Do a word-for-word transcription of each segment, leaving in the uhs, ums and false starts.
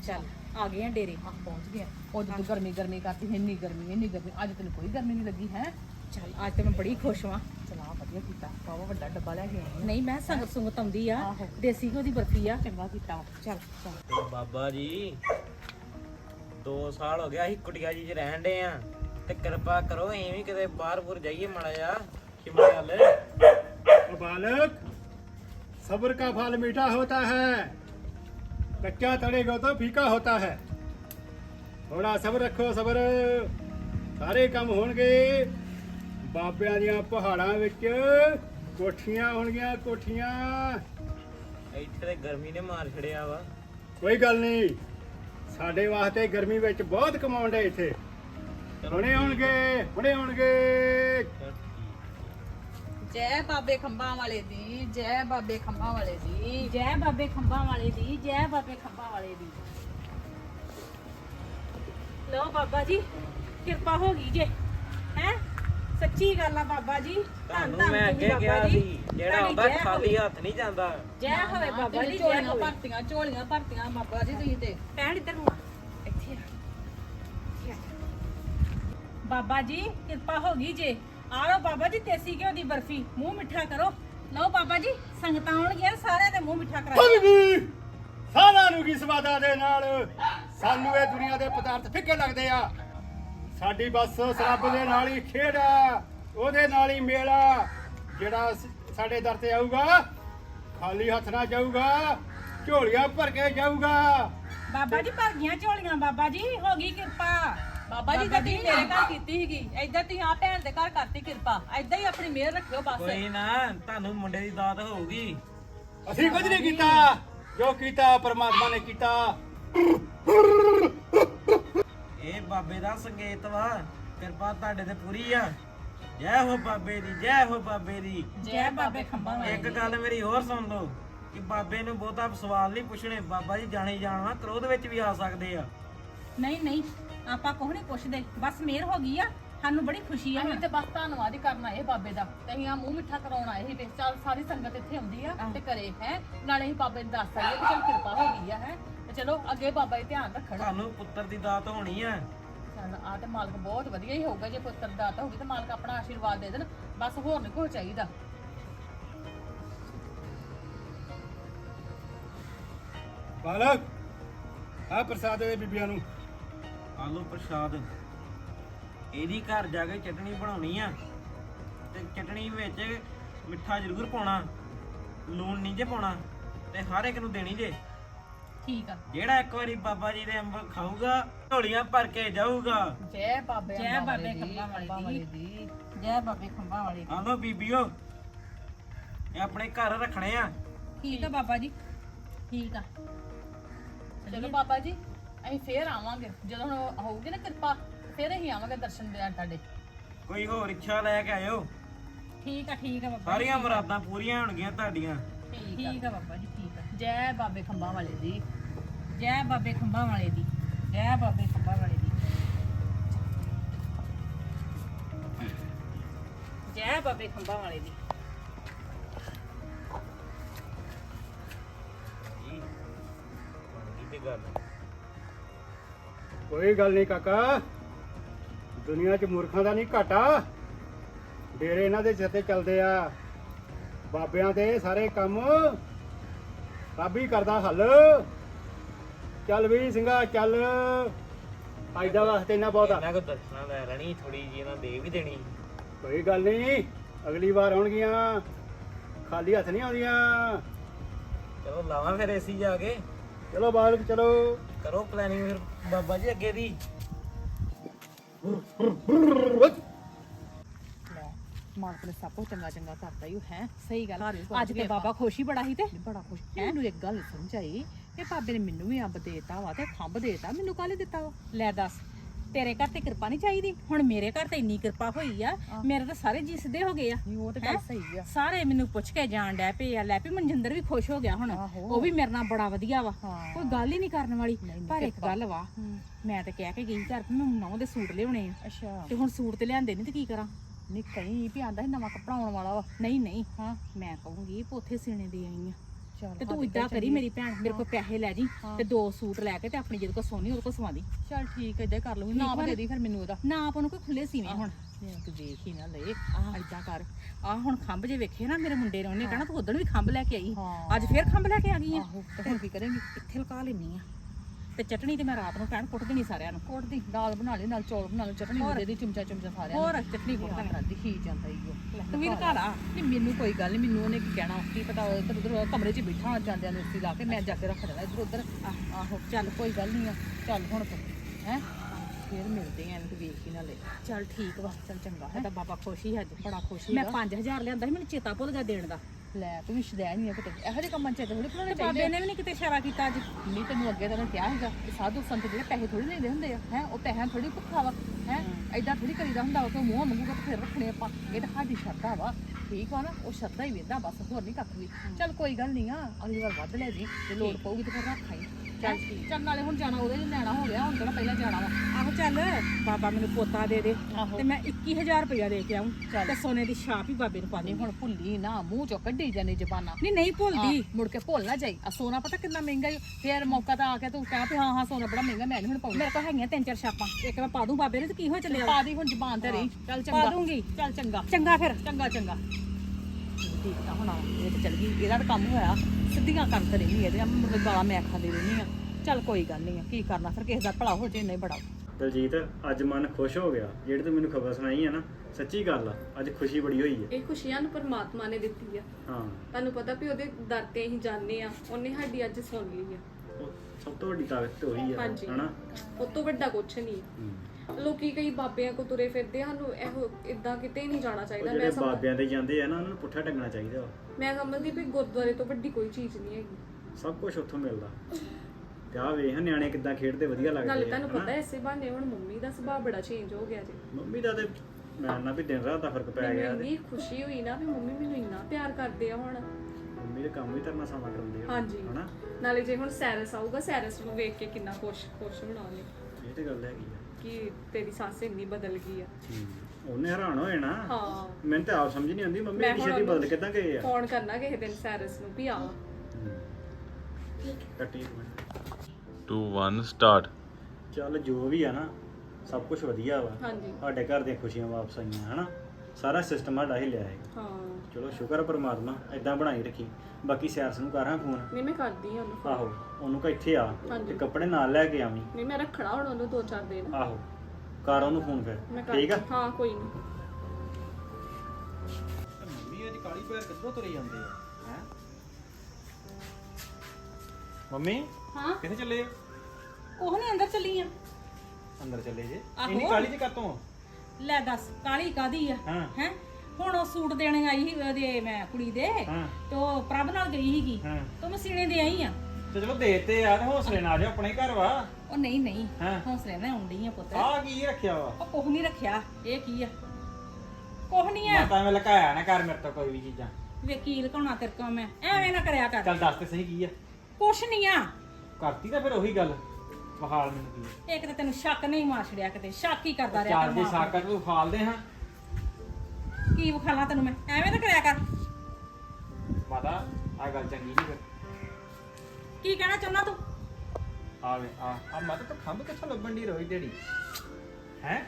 ਚੱਲ ਆ ਗਏ ਆ ਡੇਰੇ। ਆ ਪਹੁੰਚ ਗਏ। ਉਹ ਜਦੋਂ ਗਰਮੀ ਗਰਮੀ ਕਰਤੀ ਇੰਨੀ ਗਰਮੀ ਇੰਨੀ ਗਰਮੀ ਅੱਜ ਤੈਨੂੰ ਕੋਈ ਗਰਮੀ ਨਹੀਂ ਲੱਗੀ ਹੈ। ਚੱਲ ਅੱਜ ਤੇ ਮੈਂ ਬੜੀ ਖੁਸ਼ ਹਾਂ। ਚਲਾ ਵਧੀਆ ਕੀਤਾ ਬਾਵਾ ਵੱਡਾ ਡੱਬਾ ਲੈ ਕੇ ਆਈ ਨਹੀਂ ਮੈਂ ਸੰਗਤ ਸੁੰਗਤ ਆਉਂਦੀ ਆ ਆਹੋ। ਦੇਸੀ ਘਿਓ ਦੀ ਬਰਫੀ ਆ। ਚੰਗਾ ਕੀਤਾ ਚੱਲ ਚੱਲ ਬਾਬਾ ਜੀ ਦੋ ਸਾਲ ਹੋ ਗਿਆ ਅਸੀਂ ਕੁਟਿਆ ਜੀ ਚ ਰਹਿਣ ਡੇ ਆ ਤੇ ਕਿਰਪਾ ਕਰੋ ਐਵੇਂ ਕਿਤੇ ਬਾਹਰ ਬੁਰ ਜਾਈਏ ਮਾੜਾ ਜਾ ਹਿਮਾਚਲ। बालक सब्र का फल मीठा होता है, कच्चा तड़ेगा तो फीका होता है। थोड़ा सब्र रखो सब्र, ਸਾਰੇ ਕੰਮ ਹੋਣਗੇ। ਬਾਬਿਆਂ ਦੀਆਂ ਪਹਾੜਾਂ ਵਿੱਚ ਕੋਠੀਆਂ ਹੋਣਗੀਆਂ ਕੋਠੀਆਂ। ਇੱਥੇ ਤੇ ਗਰਮੀ ਨੇ ਮਾਰ ਛੜਿਆ ਵਾ। ਕੋਈ ਗੱਲ ਨਹੀਂ ਸਾਡੇ ਵਾਸਤੇ ਗਰਮੀ ਵਿੱਚ ਬਹੁਤ ਕਮਾਉਂਦੇ ਇੱਥੇ। ਹੁਣੇ ਹੋਣਗੇ ਹੁਣੇ ਹੋਣਗੇ। ਜੈ ਬਾਬੇ ਖੰਭਾਂ ਵਾਲੇ ਦੀ ਜੈ ਬਾਬੇ ਖੰਭਾਂ ਵਾਲੇ ਦੀ ਜੈ ਬਾਬੇ ਖੰਭਾਂ ਵਾਲੇ ਦੀ ਜੈ ਬਾਬੇ ਖੰਭਾਂ ਵਾਲੇ ਦੀ। ਲਓ ਬਾਬਾ ਜੀ ਕਿਰਪਾ ਹੋ ਗਈ ਜੇ ਹੈ ਸੱਚੀ ਗੱਲ ਆ ਬਾਬਾ ਜੀ। ਧੰਨ ਤੁਹਾਨੂੰ ਮੈਂ ਅੱਗੇ ਕਿਹਾ ਸੀ ਜਿਹੜਾ ਆਉਂਦਾ ਜੈ ਖਾਲੀ ਹੱਥ ਨਹੀਂ ਜਾਂਦਾ। ਜੈ ਹੋਵੇ ਬਾਬਾ ਜੀ ਜੈ ਝੋਲੀਆਂ ਹੋਵੇ। ਭਰਤੀਆਂ ਝੋਲੀਆਂ ਭਰਤੀਆਂ ਬਾਬਾ ਜੀ ਤੁਸੀਂ ਤੇ ਪੈਣ ਇੱਧਰ ਨੂੰ ਆ। ਇੱਥੇ ਆ। ਬਾਬਾ ਜੀ ਕਿਰਪਾ ਹੋ ਗਈ ਜੇ। ਆ ਲਓ ਬਾਬਾ ਜੀ ਦੇਸੀ ਘਿਓ ਦੀ ਬਰਫੀ ਮੂੰਹ ਮਿੱਠਾ ਕਰੋ। ਲਓ ਬਾਬਾ ਜੀ ਸੰਗਤਾਂ ਆਉਣਗੀਆਂ ਸਾਰਿਆਂ ਦੇ ਮੂੰਹ ਮਿੱਠਾ ਕਰਾ ਦਿਓ। ਜੀ ਸਾਰਿਆਂ ਨੂੰ ਕੀ ਸਵਾਦਾਂ ਦੇ ਨਾਲ ਸਾਨੂੰ ਇਹ ਦੁਨੀਆ ਦੇ ਪਦਾਰਥ ਫਿੱਕੇ ਲੱਗਦੇ ਆ। ਸਾਡੀ ਬਸ ਰੱਬ ਦੇ ਨਾਲ ਹੀ ਖੇਡ ਆ, ਉਹਦੇ ਨਾਲ ਹੀ ਮੇਲ ਆ। ਜਿਹੜਾ ਸ- ਸਾਡੇ ਦਰ ਤੇ ਆਊਗਾ ਖਾਲੀ ਹੱਥ ਨਾ ਜਾਊਗਾ, ਝੋਲੀਆਂ ਭਰ ਕੇ ਜਾਊਗਾ। ਬਾਬਾ ਜੀ ਭਰ ਗਈਆਂ ਝੋਲੀਆਂ। ਬਾਬਾ ਜੀ ਹੋ ਗਈ ਕਿਰਪਾ। ਬਾਬਾ ਜੀ ਤਾਂ ਤੁਸੀਂ ਮੇਰੇ ਘਰ ਕੀਤੀ ਸੀਗੀ ਏਦਾਂ ਤੁਸੀਂ ਆ ਭੈਣ ਦੇ ਘਰ ਕਰਤੀ ਕਿਰਪਾ ਏਦਾਂ ਹੀ ਆਪਣੀ ਮਿਹਰ ਰੱਖਿਓ ਬਸ। ਕੋਈ ਨਾ ਤੁਹਾਨੂੰ ਮੁੰਡੇ ਦੀ ਦਾਤ ਹੋਊਗੀ। ਅਸੀਂ ਕੁਝ ਨਹੀਂ ਕੀਤਾ, ਜੋ ਕੀਤਾ ਪਰਮਾਤਮਾ ਨੇ ਕੀਤਾ। ਇਹ ਬਾਬੇ ਦਾ ਸੰਕੇਤ ਵਾ। ਕਿਰਪਾ ਤੁਹਾਡੇ ਤੇ ਪੂਰੀ ਆ। ਜੈ ਹੋ ਬਾਬੇ ਦੀ ਜੈ ਹੋ ਬਾਬੇ ਦੀ। ਜੈ ਬਾਬੇ ਖੰਭਾਂ ਵਾਲੇ ਇੱਕ ਗੱਲ ਮੇਰੀ ਹੋਰ ਸੁਣ ਲਓ ਕਿ ਬਾਬੇ ਨੂੰ ਬਹੁਤਾ ਸਵਾਲ ਨਹੀਂ ਪੁੱਛਣੇ। ਬਾਬਾ ਜੀ ਜਾਣੇ ਜਾਣਵਾ ਕ੍ਰੋਧ ਵਿੱਚ ਵੀ ਆ ਸਕਦੇ ਆ। ਨਹੀਂ ਨਹੀਂ ਆਪਾਂ ਕੁਛ ਨਹੀਂ ਪੁੱਛਦੇ ਬਸ ਮਿਹਰ ਹੋ ਗਈ ਆ। ਸਾਨੂੰ ਬੜੀ ਖੁਸ਼ੀ ਆ। ਅਸੀਂ ਤੇ ਬਸ ਧੰਨਵਾਦ ਹੀ ਕਰਨਾ ਇਹ ਬਾਬੇ ਦਾ ਤੇ ਅਸੀਂ ਆ ਮੂੰਹ ਮਿੱਠਾ ਕਰਾਉਣ ਆਏ ਸੀ ਤੇ ਚੱਲ ਸਾਰੀ ਸੰਗਤ ਇੱਥੇ ਆਉਂਦੀ ਆ ਤੇ ਕਰੇ ਹੈ ਨਾਲੇ ਅਸੀਂ ਬਾਬੇ ਨੂੰ ਦੱਸ ਆਈਏ ਕਿ ਚਲ ਕਿਰਪਾ ਹੋ ਗਈ ਆ ਹੈ ਤੇ ਚਲੋ ਅੱਗੇ ਬਾਬਾ ਜੀ ਧਿਆਨ ਰੱਖਣ। ਤੁਹਾਨੂੰ ਪੁੱਤਰ ਦੀ ਦਾਤ ਹੋਣੀ ਆ। ਚੱਲ ਆ ਤੇ ਮਾਲਕ ਬਹੁਤ ਵਧੀਆ ਹੀ ਹੋਊਗਾ ਜੇ ਪੁੱਤਰ ਦਾਤਾ ਹੋਊਗੀ ਤੇ ਮਾਲਕ ਆਪਣਾ ਆਸ਼ੀਰਵਾਦ ਦੇ ਦੇਣ ਬਸ ਹੋਰ ਨਹੀਂ ਕੁਛ ਚਾਹੀਦਾ। ਬਾਲਕ ਆ ਪ੍ਰਸਾਦ ਦੇ ਬੀਬੀਆਂ ਨੂੰ। ਆਲੂ ਪ੍ਰਸ਼ਾਦ। ਇਹਦੀ ਘਰ ਜਾ ਕੇ ਚਟਣੀ ਬਣਾਉਣੀ ਆ ਤੇ ਚਟਣੀ ਵਿੱਚ ਮਿੱਠਾ ਜ਼ਰੂਰ ਪਾਉਣਾ, ਲੂਣ ਨਹੀਂ ਜੇ ਪਾਉਣਾ ਤੇ ਹਰ ਇੱਕ ਨੂੰ ਦੇਣੀ ਜੇ। ਠੀਕ ਆ। ਜਿਹੜਾ ਇੱਕ ਵਾਰੀ ਬਾਬਾ ਜੀ ਦੇ ਅੰਬ ਖਾਊਗਾ ਝੋਲੀਆਂ ਭਰ ਕੇ ਜਾਊਗਾ। ਜੈ ਬਾਬੇ ਜੈ ਬਾਬੇ ਖੰਭਾਂ ਵਾਲੇ ਦੀ ਜੈ ਬਾਬੇ ਖੰਭਾਂ ਵਾਲੇ ਦੀ। ਆਲੋ ਬੀਬੀਓ ਇਹ ਆਪਣੇ ਘਰ ਰੱਖਣੇ ਆ। ਠੀਕ ਆ ਬਾਬਾ ਜੀ ਠੀਕ ਆ। ਚਲੋ ਬਾਬਾ ਜੀ ਅਸੀਂ ਫੇਰ ਆਵਾਂਗੇ ਜਦੋਂ ਹੁਣ ਹੋਊਗੀ ਨਾ ਕਿਰਪਾ ਫੇਰ ਅਸੀਂ ਆਵਾਂਗੇ ਦਰਸ਼ਨ ਦੇਣ ਤੁਹਾਡੇ। ਕੋਈ ਹੋਰ ਇੱਛਾ ਲੈ ਕੇ ਆਇਓ। ਠੀਕ ਆ ਠੀਕ ਆ ਬਾਬਾ ਜੀ, ਸਾਰੀਆਂ ਮੁਰਾਦਾਂ ਪੂਰੀਆਂ ਹੋਣਗੀਆਂ ਤੁਹਾਡੀਆਂ। ਠੀਕ ਆ ਠੀਕ ਆ ਬਾਬਾ ਜੀ ਠੀਕ ਆ। ਜੈ ਬਾਬੇ ਖੰਭਾਂ ਵਾਲੇ ਦੀ ਜੈ ਬਾਬੇ ਖੰਭਾਂ ਵਾਲੇ ਦੀ ਜੈ ਬਾਬੇ ਖੰਭਾਂ ਵਾਲੇ ਦੀ ਜੈ ਬਾਬੇ ਖੰਭਾਂ ਵਾਲੇ ਦੀ। ਇਹ ਤੇ ਗੱਲ ਕੋਈ ਗੱਲ ਨਹੀਂ ਕਾਕਾ, ਦੁਨੀਆ 'ਚ ਮੂਰਖਾਂ ਦਾ ਨਹੀਂ ਘਾਟਾ। ਡੇਰੇ ਇਹਨਾਂ ਦੇ ਸਿਰ ਤੇ ਚੱਲਦੇ ਆ। ਬਾਬਿਆਂ ਦੇ ਸਾਰੇ ਕੰਮ ਰੱਬ ਹੀ ਕਰਦਾ ਹੱਲ। ਚੱਲ ਵੀ ਸਿੰਘਾ ਚੱਲ, ਅੱਜ ਦਾ ਵਾਸਤੇ ਇੰਨਾ ਬਹੁਤ ਆ। ਇਹਨਾਂ ਕੋ ਦਰਸ਼ਨਾਂ ਲੈ ਲੈਣੀ ਥੋੜੀ ਜੀ ਇਹਨਾਂ ਦੇ ਵੀ ਦੇਣੀ। ਕੋਈ ਗੱਲ ਨਹੀਂ, ਅਗਲੀ ਵਾਰ ਆਉਣਗੀਆਂ, ਖਾਲੀ ਹੱਥ ਨਹੀਂ ਆਉਂਦੀਆਂ। ਚਲੋ ਲਾਵਾਂ ਫਿਰ ਏਸੀ ਜਾ ਕੇ। ਚਲੋ ਬਾਲਕ ਚਲੋ। ਕਰੋ ਪਲੈਨਿੰਗ ਫਿਰ ਬਾਬਾ ਜੀ ਅੱਗੇ ਦੀ। ਮਾਲਕ ਨੇ ਸਭ ਕੁਝ ਚੰਗਾ ਚੰਗਾ ਕਰਦਾ ਹੀ ਹੈ। ਸਹੀ ਗੱਲ ਅੱਜ ਤੇ ਬਾਬਾ ਖੁਸ਼ ਹੀ ਬੜਾ ਸੀ ਤੇ ਬੜਾ ਖੁਸ਼। ਮੈਨੂੰ ਇੱਕ ਗੱਲ ਸਮਝ ਆਈ ਕਿ ਬਾਬੇ ਨੇ ਮੈਨੂੰ ਵੀ ਅੰਬ ਦੇਤਾ ਵਾ ਤੇ ਖੰਭ ਦੇਤਾ, ਮੈਨੂੰ ਕਾਹਲੇ ਦਿੱਤਾ ਵਾ? ਲੈ ਦੱਸ ਤੇਰੇ ਘਰ ਤੇ ਕਿਰਪਾ ਨਹੀਂ ਚਾਹੀਦੀ। ਹੁਣ ਮੇਰੇ ਘਰ ਤੇ ਇੰਨੀ ਕਿਰਪਾ ਹੋਈ ਆ ਮੇਰੇ ਤਾਂ ਸਾਰੇ ਜੀ ਸਿੱਧੇ ਹੋ ਗਏ ਆ। ਨਹੀਂ ਉਹ ਤੇ ਹੈਂ? ਗੱਲ ਸਹੀ ਆ। ਸਾਰੇ ਮੈਨੂੰ ਪੁੱਛ ਕੇ ਜਾਣ ਡੈ ਪਏ ਆ। ਲੈ ਪਈ ਮਨਜਿੰਦਰ ਵੀ ਖੁਸ਼ ਹੋ ਗਿਆ ਹੁਣ। ਆਹੋ। ਉਹ ਵੀ ਮੇਰੇ ਨਾਲ ਬੜਾ ਵਧੀਆ ਵਾ। ਹਾਂ। ਕੋਈ ਗੱਲ ਹੀ ਨਹੀਂ ਕਰਨ ਵਾਲੀ। ਨਹੀਂ, ਨਹੀਂ, ਪਰ ਇੱਕ ਕਿਰਪਾ। ਗੱਲ ਵਾ ਮੈਂ ਤੇ ਕਹਿ ਕੇ ਗਈ ਘਰ ਵੀ ਮੈਂ ਨੌ ਦੇ ਸੂਟ ਲਿਆਉਣੇ ਆ ਅੱਛਾ ਤੇ ਹੁਣ ਸੂਟ ਤੇ ਲਿਆਂਦੇ ਨਹੀਂ ਤੇ ਕੀ ਕਰਾਂ। ਨਹੀਂ ਕਹੀਂ ਵੀ ਆਂਦਾ ਸੀ ਨਵਾਂ ਕੱਪੜਾ ਆਉਣ ਵਾਲਾ ਵਾ। ਨਹੀਂ ਨਹੀਂ ਹਾਂ ਮੈਂ ਕਹੂੰਗੀ ਪੋਥੇ ਸੀਨੇ ਦੇ ਆਈ ਆ। ਚੱਲ, ਤੇ ਤੂੰ ਹੱਦ ਇਦਾਂ ਤਾਂ ਕਰੀ ਚੰਗੀ। ਮੇਰੀ ਭੈਣ ਮੇਰੇ ਕੋਲ ਪੈਸੇ ਲੈ ਜੀ ਹਾਂ। ਤੇ ਦੋ ਸੂਟ ਲੈ ਕੇ ਤੇ ਆਪਣੀ ਜਿਹਦੇ ਕੋਲ ਸੋਨੀ ਉਹਦੇ ਕੋਲ ਸਵਾਦੀ ਚੱਲ ਠੀਕ ਹੈ, ਇਦਾਂ ਕਰ ਲੂੰਗੀ। ਨਾਪ ਵਾ ਦੇ ਨਾ? ਦੀ ਫਿਰ ਮੈਨੂੰ ਉਹਦਾ। ਨਾ ਆਪਾਂ ਨੂੰ ਕੋਈ ਖੁੱਲੇ ਸੀਵੇਂ ਹੁਣ ਮੈਂ ਤੂੰ ਦੇਖ ਹੀ ਨਾ ਲਏ। ਆਹ। ਇਦਾਂ ਕਰ। ਆ ਹੁਣ ਖੰਭ ਜੇ ਵੇਖੇ ਨਾ ਮੇਰੇ ਮੁੰਡੇ ਨੇ ਉਹਨੇ ਕਹਿਣਾ ਤੂੰ ਉਦੋਂ ਵੀ ਖੰਭ ਲੈ ਕੇ ਆਈ ਹਾਂ। ਅੱਜ ਫੇਰ ਖੰਭ ਲੈ ਕੇ ਆ ਗਈ ਆ ਆਹੋ ਤੇ ਹੁਣ ਕੀ ਕਰੇਂਗੀ? ਇੱਥੇ ਲੁਕਾ ਲੈਣੀ ਆ ਤੇ ਚਟਣੀ ਤੇ ਮੈਂ ਰਾਤ ਨੂੰ ਕਹਿਣ ਕੁੱਟ ਦੇਣੀ ਸਾਰਿਆਂ ਨੂੰ ਕੋਟ ਦੀ ਦਾਲ ਬਣਾ ਲਈ, ਨਾਲ ਚੌਲ ਬਣਾ ਲਓ, ਚਟਣੀ ਹੋਰ। ਦੇ ਦੀ ਚਮਚਾ ਚਮਚਾ ਸਾਰਿਆਂ ਹੋਰ ਚਟਨੀ ਕੁੱਟ ਕੁੱਟਦਾ ਦੇਣੀ ਦਿਖੀ ਜਾਂਦਾ ਈ ਉਹ। ਤੂੰ ਵੀ ਲੁਕਾ ਲਾ। ਨਹੀਂ ਮੈਨੂੰ ਕੋਈ ਗੱਲ ਨਹੀਂ, ਮੈਨੂੰ ਉਹਨੇ ਕੀ ਕਹਿਣਾ, ਕੀ ਪਤਾ ਇੱਧਰ ਉੱਧਰ ਕਮਰੇ 'ਚ ਬੈਠਾ ਹੋਣਾ ਜਾਂਦਿਆਂ ਨੂੰ ਲਾ ਕੇ, ਮੈਂ ਜਾ ਕੇ ਰੱਖ ਦੇਣਾ ਇੱਧਰ ਉੱਧਰ। ਆਹੋ ਚੱਲ ਕੋਈ ਗੱਲ ਨਹੀਂ ਆ, ਚੱਲ ਹੁਣ ਤੂੰ ਹੈ ਫੇਰ ਮਿਲਦੇ ਆਂ, ਤੂੰ ਵੇਖ ਹੀ ਨਾ ਲੈ। ਚੱਲ ਠੀਕ ਵਾ ਚੱਲ ਚੰਗਾ ਇਹ ਹੈ, ਤਾਂ ਬਾਬਾ ਖੁਸ਼ ਹੀ ਅੱਜ ਬੜਾ ਖੁਸ਼ ਮੈਂ ਹੋਇਆ। ਪੰਜ ਹਜ਼ਾਰ ਲਿਆਂਦਾ ਸੀ ਮੈਨੂੰ ਚੇਤਾ ਭੁੱਲ ਗਿਆ ਦੇਣ ਦਾ ਲੈ ਤੂੰ ਵੀ ਸ਼ਦੈਨ ਨਹੀਂ ਆ ਕਿਤੇ, ਇਹੋ ਜਿਹੇ ਕੰਮਾਂ 'ਚ ਥੋੜੀ ਭੁਲਾਉਣੇ ਤੇ ਬਾਬੇ ਚਾਹੀਦੇ। ਨੇ ਵੀ ਨਹੀਂ ਕਿਤੇ ਇਸ਼ਾਰਾ ਕੀਤਾ ਅੱਜ ਨਹੀਂ ਤੈਨੂੰ ਅੱਗੇ ਤਾਂ ਮੈਂ ਕਿਹਾ ਸੀਗਾ ਕਿ ਸਾਧੂ ਸੰਤ ਜਿਹੜੇ ਪੈਸੇ ਥੋੜੀ ਲੈਂਦੇ ਹੁੰਦੇ ਆ ਹੈ, ਉਹ ਪੈਸਿਆਂ ਥੋੜੀ ਭੁੱਖਾ ਵਾ ਹੈ, ਐਦਾਂ ਥੋੜੀ ਕਰੀਦਾ ਹੁੰਦਾ ਵਾ ਕਿ ਮੂੰਹ ਮੰਗੂਗਾ ਤੇ ਫਿਰ ਰੱਖਣੇ ਆਪਾਂ। ਇਹ ਤਾਂ ਸਾਡੀ ਸ਼ਰਧਾ ਵਾ, ਠੀਕ ਵਾ ਨਾ, ਉਹ ਸ਼ਰਧਾ ਹੀ ਵੇਂਦਾ ਬਸ, ਹੋਰ ਨਹੀਂ ਕੱਖ ਵੀ। ਚੱਲ ਕੋਈ ਗੱਲ ਨਹੀਂ ਆ, ਅਗਲੀ ਵਾਰ ਵੱਧ ਲੈ ਜੀ, ਜੇ ਲੋੜ ਪਊਗੀ ਤੇ ਫਿਰ ਰੱਖ ਆਈ। ਚੱਲ ਠੀਕ, ਚੱਲ ਨਾਲੇ ਹੁਣ ਜਾਣਾ ਉਹਦੇ ਲੈਣਾ ਹੋ ਗਿਆ, ਹੁਣ ਕਿਹੜਾ ਪਹਿਲਾਂ ਜਾਣਾ ਵਾ। ਆਹੋ ਚੱਲ ਬਾਬਾ ਮੈਨੂੰ ਪੋਤਾ ਦੇ ਦੇ ਆਹੋ। ਤੇ ਮੈਂ ਇੱਕੀ ਹਜ਼ਾਰ ਰੁਪਇਆ ਦੇ ਕੇ ਆਉਂ ਚੱਲ। ਤੇ ਸੋਨੇ ਦੀ ਛਾਪ ਹੀ ਬਾਬੇ ਨੂੰ ਪਾ ਦੇ ਨਹੀਂ ਹੁਣ ਭੁੱਲੀ ਨਾ, ਮੂੰਹ ਚੋਂ ਕੱਢੀ ਜਾਣੀ ਜ਼ਬਾਨਾਂ। ਨਹੀਂ ਨਹੀਂ ਭੁੱਲਦੀ ਆਹ, ਮੁੜ ਕੇ ਭੁੱਲ ਨਾ ਜਾਈ। ਆ ਸੋਨਾ ਪਤਾ ਕਿੰਨਾ ਮਹਿੰਗਾ ਈ, ਫੇਰ ਮੌਕਾ ਤਾਂ ਆ ਕੇ ਤੂੰ ਕਹਿ ਵੀ ਹਾਂ ਹਾਂ ਸੋਨਾ ਬੜਾ ਮਹਿੰਗਾ, ਮੈਂ ਨਹੀਂ ਹੁਣ ਪਾਉਣਾ। ਮੇਰੇ ਕੋਲ ਹੈਗੀਆਂ ਤਿੰਨ ਚਾਰ ਛਾਪਾਂ ਇੱਕ ਮੈਂ ਪਾ ਦੂੰ ਬਾਬੇ ਨੂੰ ਤੇ ਕੀ ਹੋ ਚੱਲਿਆ ਪਾ ਦੀ ਹੁਣ ਜ਼ਬਾਨ ਤੇ ਰਹੀ। ਚੱਲ ਚੰਗਾ, ਪਾ ਦੂੰਗੀ। ਚੱਲ ਚੰਗਾ ਚੰਗਾ ਫਿਰ ਚੰਗਾ ਚੰਗਾ ਠੀਕ ਤਾਂ ਹੁਣ ਇਹ ਤਾਂ ਚੱਲ ਗਈ, ਇਹਦਾ ਤਾਂ ਕੰਮ ਹੋਇਆ। ਸਿੱਧੀਆਂ ਕਰਨ ਤੇ ਰਹਿੰਦੀ ਇਹਦੇ ਮੁੜ ਗਾਲਾਂ ਮੈਂ ਖਾਂਦੀ ਰਹਿੰਦੀ ਆ। ਚੱਲ ਕੋਈ ਗੱਲ ਨਹੀਂ ਆ, ਕੀ ਕਰਨਾ ਫਿਰ, ਕਿਸੇ ਦਾ ਭਲਾ ਹੋ ਜੇ ਨਹੀਂ ਬੜਾ। ਦਲਜੀਤ ਅੱਜ ਮਨ ਖੁਸ਼ ਹੋ ਗਿਆ ਜਿਹੜੀ ਤੂੰ ਮੈਨੂੰ ਖਬਰ ਸੁਣਾਈ ਹੈ ਨਾ, ਸੱਚੀ ਗੱਲ ਆ, ਅੱਜ ਖੁਸ਼ੀ ਬੜੀ ਹੋਈ ਹੈ। ਇਹ ਖੁਸ਼ੀਆਂ ਨੂੰ ਪਰਮਾਤਮਾ ਨੇ ਦਿੱਤੀ ਆ। ਹਾਂ ਤੁਹਾਨੂੰ ਪਤਾ ਵੀ ਉਹਦੇ ਦਰ ਤੇ ਅਸੀਂ ਜਾਂਦੇ ਆ, ਉਹਨੇ ਸਾਡੀ ਅੱਜ ਸੁਣ ਲਈ ਆ। ਉਹ ਸਭ ਤੋਂ ਵੱਡੀ ਤਾਕਤ ਉਹੀ ਆ ਹਾਂਜੀ। ਹਨਾ। ਉਹ ਤੋਂ ਵੱਡਾ ਕੁਛ ਨਹੀਂ। ਹੂੰ। ਲੋਕੀ ਕਈ ਬਾਬਿਆਂ ਕੋ ਤੁਰੇ ਫਿਰਦੇ ਆ, ਸਾਨੂੰ ਇਹੋ ਇਦਾਂ ਕਿਤੇ ਨਹੀਂ ਜਾਣਾ ਉਹ ਚਾਹੀਦਾ। ਜਿਹੜੇ ਮੈਂ ਸਮਝ ਬਾਬਿਆਂ ਦੇ ਜਾਂਦੇ ਆ ਨਾ, ਉਹਨਾਂ ਨੂੰ ਪੁੱਠਾ ਟੰਗਣਾ ਚਾਹੀਦਾ ਵਾ। ਮੈਂ ਸਮਝਦੀ ਵੀ ਗੁਰਦੁਆਰੇ ਤੋਂ ਵੱਡੀ ਕੋਈ ਚੀਜ਼ ਨਹੀਂ ਹੈਗੀ। ਸਭ ਕੁਝ ਉੱਥੋਂ ਮਿਲਦਾ। ਤੇ ਆ ਵੇਖ ਨਿਆਣੇ ਕਿੱਦਾਂ ਖੇਡਦੇ ਵਧੀਆ ਲੱਗਦੇ ਨਾਲੇ ਆ, ਤੁਹਾਨੂੰ ਹਨਾ? ਪਤਾ ਇਸੇ ਬਹਾਨੇ ਹੁਣ ਮੰਮੀ ਦਾ ਸੁਭਾਅ ਬੜਾ ਚੇਂਜ ਹੋ ਗਿਆ ਜੀ। ਮੰਮੀ ਦਾ ਤੇ ਮੈਂ ਨਾ ਵੀ ਦਿਨ ਰਾਤ ਦਾ ਫਰਕ ਪੈ ਗਿਆ ਮੈਨੂੰ ਤੇ ਇੰਨੀ ਖੁਸ਼ੀ ਹੋਈ ਨਾ ਵੀ ਮੰਮੀ ਮੈਨੂੰ ਇੰਨਾ ਪਿਆਰ ਕਰਦੇ ਆ ਹੁਣ। ਮੰਮੀ ਦੇ ਕੰਮ ਵੀ ਤਰਨਾ ਸਮਾਂ ਕਰਾਉਂਦੇ ਆ ਹਾਂਜੀ। ਹਨਾ। ਨਾਲੇ ਜੇ ਹੁਣ ਸੈਰਸ ਆਊਗਾ, ਸੈਰਸ ਨੂੰ ਵੇਖ ਕੇ ਕਿੰਨਾ ਖੁਸ਼ ਖੁਸ਼ ਹੋਣਾ ਉਹਨੇ ਇਹ ਤੇ ਗੱਲ ਹੈਗੀ ਆ। ਕਿ ਤੇਰੀ ਸੱਸ ਇੰਨੀ ਬਦਲ ਗਈ ਆ। ਉਹਨੇ ਹੈਰਾਨ ਹੋਏ ਨਾ। ਹਾਂ। ਮੈਨੂੰ ਤਾਂ ਆਪ ਸਮਝ ਨਹੀਂ ਆਉਂਦੀ ਮੰਮੀ ਮੈਂ ਇੰਨੀ ਹੁਣ ਛੇਤੀ ਬਦਲ ਉਹਨੂੰ ਕਿੱਦਾਂ ਗਏ ਆ। ਫੋਨ ਕਰਨਾ ਕਿਸੇ ਦਿਨ ਸੈਰਸ ਨੂੰ ਵੀ ਆ। ਕੱਟੀ ਇੱਕ ਮਿੰਟ। two one start ਚੱਲ ਜੋ ਵੀ ਆ ਨਾ, ਸਭ ਕੁਝ ਵਧੀਆ ਵਾ। ਹਾਂਜੀ। ਸਾਡੇ ਘਰ ਦੀਆਂ ਖੁਸ਼ੀਆਂ ਵਾਪਸ ਆਈਆਂ ਹਨਾ। ਸਾਰਾ ਸਿਸਟਮ ਸਾਡਾ ਹੀ ਲਿਆ ਹੈ। ਹਾਂ। ਚਲੋ ਸ਼ੁਕਰ ਹੈ ਪਰਮਾਤਮਾ, ਇਦਾਂ ਬਣਾਈ ਰੱਖੀ। ਬਾਕੀ ਸੈਰਸ ਨੂੰ ਕਰਾਂ ਫੋਨ। ਨਹੀਂ ਮੈਂ ਕਰਦੀ ਹਾਂ ਉਹਨੂੰ phone। ਆਹੋ ਉਹਨੂੰ ਕਹ ਇੱਥੇ ਆ ਹਾਂਜੀ। ਤੇ ਕੱਪੜੇ ਨਾਲ ਲੈ ਕੇ ਆਵੀਂ। ਨਹੀਂ ਮੈਂ ਰੱਖਣਾ ਹੁਣ ਉਹਨੂੰ ਦੋ ਚਾਰ ਦਿਨ। ਆਹੋ ਕਰ ਉਹਨੂੰ ਫੋਨ ਫਿਰ। ਮੈਂ ਠੀਕ ਆ। ਕਰਦੀ ਹਾਂ ਕੋਈ ਨਹੀਂ। ਮੰਮੀ ਅੱਜ ਕਾਲੀ ਪੈਰ ਕਿੱਧਰੋਂ ਤੁਰੇ ਜਾਂਦੇ ਆ ਹੈ? ਮੰਮੀ ਹਾਂ ਕਿੱਥੇ ਚੱਲੇ? ਉਹ ਨਹੀਂ ਅੰਦਰ ਚੱਲੀ ਆ ਅੰਦਰ ਚੱਲੇ ਜੇ। ਆਹੋ। ਇੰਨੀ ਕਾਲੀ ਚ ਕਾਤੋਂ? ਲੈ ਦੱਸ ਕਾਲੀ ਕਾਦੀ ਆ ਹਾਂ ਹੈ ਹੁਣ ਉਹ ਸੂਟ ਦੇਣ ਆਈ ਸੀ ਉਹਦੇ ਮੈਂ ਕੁੜੀ ਦੇ ਹਾਂ ਤੇ ਉਹ ਪ੍ਰਭ ਨਾਲ ਗਈ ਸੀਗੀ ਹਾਂ। ਤੇ ਮੈਂ ਸੀਨੇ ਦੇ ਆਈ ਆ ਤੇ ਚਲੋ ਦੇਤੇ ਯਾਰ, ਹੌਸਲੇ ਨਾਲ ਆ ਜਾਓ, ਆਪਣੇ ਘਰ ਵਾ। ਉਹ ਨਹੀਂ ਨਹੀਂ ਹਾਂ। ਹੌਸਲੇ ਨਾਲ ਆਉਂਦੀ ਆ ਪੁੱਤ ਆ ਕੀ ਰੱਖਿਆ ਵਾ? ਉਹ ਕੁਝ ਨਹੀਂ ਰੱਖਿਆ ਇਹ ਕੀ ਆ ਕੁਝ ਨਹੀਂ ਆ ਮੈਂ ਤਾਂ ਐਵੇਂ ਲਕਾਇਆ ਨਾ ਕਰ ਮੇਰੇ ਤੋਂ ਕੋਈ ਵੀ ਚੀਜ਼ਾਂ। ਵਕੀਲ ਕਹਣਾ ਤੇਰੇ ਕੋਲ ਮੈਂ ਐਵੇਂ ਨਾ ਕਰਿਆ ਕਰ ਚੱਲ ਦੱਸ ਤੇ ਸਹੀ ਕੀ ਆ। ਕੁਛ ਨਹੀਂ ਆ ਕਰਤੀ ਤਾਂ ਫਿਰ ਉਹੀ ਗੱਲ। ਵਹਾਲ ਮੈਨੂੰ ਕੀ ਇੱਕ ਤਾਂ ਤੈਨੂੰ ਸ਼ੱਕ ਨਹੀਂ ਮਾਰ ਛੜਿਆ ਕਿਤੇ ਸ਼ੱਕ ਹੀ ਕਰਦਾ ਰਿਹਾ ਚਾਰ ਕਰ ਦੀ ਮਾਂ ਸਾਕਰ ਤੂੰ ਖਾਲ ਦੇ ਹਾਂ। ਪਿਓ। ਕੀ ਵਿਖਾਲਾਂ ਤੈਨੂੰ ਮੈਂ ਐਵੇਂ ਨਾ ਕਰਿਆ ਕਰ ਪਤਾ ਆ ਗੱਲ ਚੰਗੀ ਨਹੀਂ ਫਿਰ। ਕੀ ਕਹਿਣਾ ਚਾਹੁੰਦਾ ਤੂੰ ਆਵੇ ਆ ਆ ਮਤ ਤਾਂ ਖੰਭ ਕਿੱਥੋਂ ਲੱਭਣ ਦੀ ਰੋਈ ਢੇੜੀ ਹੈ?